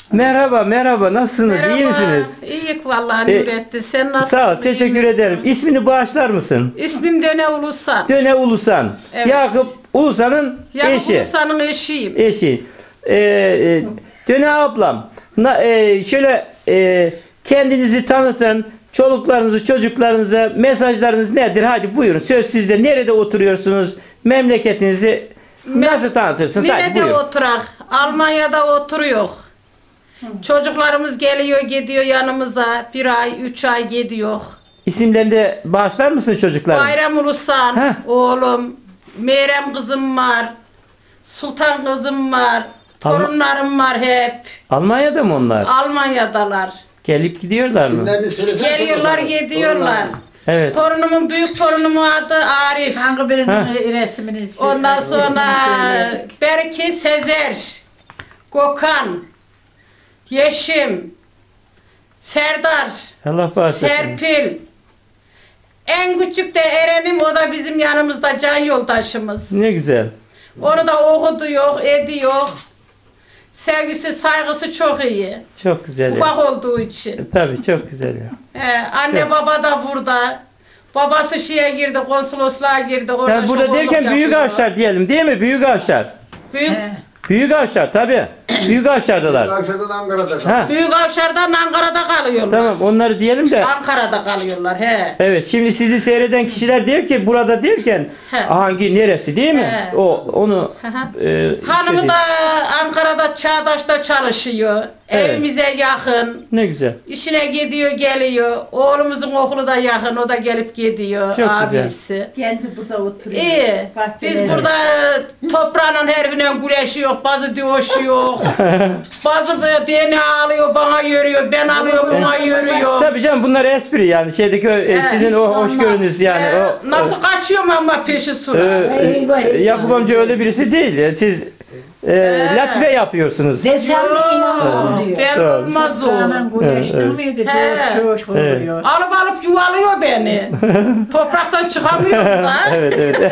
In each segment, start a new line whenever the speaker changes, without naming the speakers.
Merhaba, merhaba. Nasılsınız? İyi misiniz?
İyiyik vallahi Nurettin. Sen nasılsın?
Sağ ol, teşekkür
İyi misin?
ederim. İsmini bağışlar mısın?
İsmim Döne Ulusan.
Döne Ulusan.
Evet.
Yakup Ulusan'ın
Yakup
eşi.
Ulusan'ın eşiyim.
Eşi. Döne ablam. Şöyle kendinizi tanıtın. Çoluklarınızı, çocuklarınıza mesajlarınız nedir? Hadi buyurun. Söz sizde. Nerede oturuyorsunuz? Memleketinizi nasıl tanıtırsınız? Hadi
Nerede
buyurun.
oturak? Almanya'da oturuyor. Çocuklarımız geliyor gidiyor yanımıza. 1 ay, 3 ay gidiyor.
İsimlerini de bağışlar mısın çocuklarım?
Bayram Ulusan,
Heh.
oğlum. Meyrem kızım var. Sultan kızım var. Torunlarım var hep.
Almanya'da mı onlar?
Almanya'dalar.
Gelip gidiyorlar mı?
Geliyorlar, gidiyorlar.
Evet.
Torunumun, büyük torunumun adı Arif.
Hangi birinin
Ha.
resmini
Ondan
ismini
sonra
söyleyecek.
Berki Sezer, Gökhan, Yeşim, Serdar,
Allah bağışlasın.
Serpil. En küçük de Eren'im, o da bizim yanımızda can yoldaşımız.
Ne güzel.
Onu da okuduyor, ediyor. Sevgisi, saygısı çok iyi.
Çok güzel. Ya.
Ufak olduğu için.
Tabii çok güzel ya.
Anne
Çok.
baba da burada. Babası şeye girdi, konsolosluğa girdi. Orada
Yani burada
şoförlük
derken Büyük
yapıyor.
Avşar diyelim değil mi? Büyük Avşar.
Büyük,
Büyük Avşar tabii. Büyük Avşar'dalar.
Akşamdan Ankara'da
Ha.
Büyük Avşar'dan Ankara'da kalıyorlar.
Tamam onları diyelim de.
Ankara'da kalıyorlar he.
Evet şimdi sizi seyreden kişiler diyor ki burada derken
He.
hangi neresi değil mi?
He.
Onu
Hanımı
istediğim-
da Ankara'da Çağdaş'ta çalışıyor.
Evet.
Evimize yakın.
ne güzel.
İşine gidiyor geliyor. Oğlumuzun okulu da yakın. O da gelip gidiyor
Çok güzel.
abisi.
Kendi burada oturuyor.
İyi. Biz
Bahçeleri.
burada toprağın herifine güreşiyor, bazı dövüşüyor, bazı DNA alıyor, bana yürüyor, ben alıyorum, bana yürüyor.
Tabii canım bunlar espri yani şeydeki sizin o hoşgörünüz yani o.
Nasıl kaçıyorum ama peşi sıra.
Eyvah, eyvah.
Yakup amca öyle birisi değil. Siz latife yapıyorsunuz.
Desem de inanmam diyor.
Ben
Evet.
olmaz o.
Kanan güneşten
Evet.
miydi?
He.
Çok oluyor.
Alıp yuvalıyor beni. Topraktan çıkamıyorum da.
Evet evet.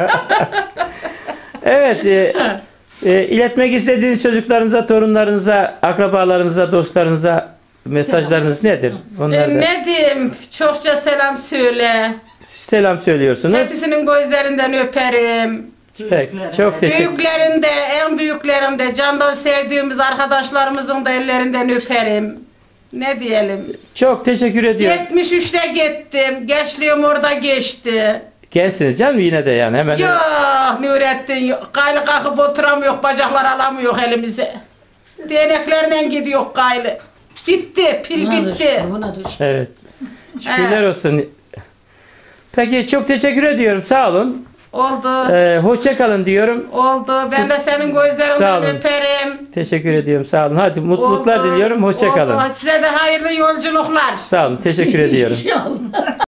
Evet. İletmek istediğiniz çocuklarınıza, torunlarınıza, akrabalarınıza, dostlarınıza mesajlarınız nedir? Onlar da
Ne diyeyim? Çokça selam söyle.
selam söylüyorsunuz.
Hepsinin gözlerinden öperim.
Peki, çok teşekkür.
Büyüklerinde, en büyüklerinde, candan sevdiğimiz arkadaşlarımızın da ellerinden öperim. Ne diyelim?
Çok teşekkür ediyorum.
73'te gittim. Gençliğim orada geçti.
Gençsiniz canım yine de yani hemen.
Yok Nurettin, yok. Kaylı kalkıp oturamıyor, bacaklar alamıyor elimize. Değneklerle gidiyor kaylı. Bitti, pil bitti.
Evet. Şükürler olsun. Peki çok teşekkür ediyorum. Sağ olun.
Oldu,
Hoşça kalın diyorum.
oldu. Ben de senin
Sağ
gözlerinden
olun.
öperim.
Teşekkür ediyorum. Sağ olun. Hadi mutluluklar
Oldu,
diliyorum. Hoşça kalın.
oldu. Size de hayırlı yolculuklar.
Sağ olun. Teşekkür ediyorum.
İnşallah.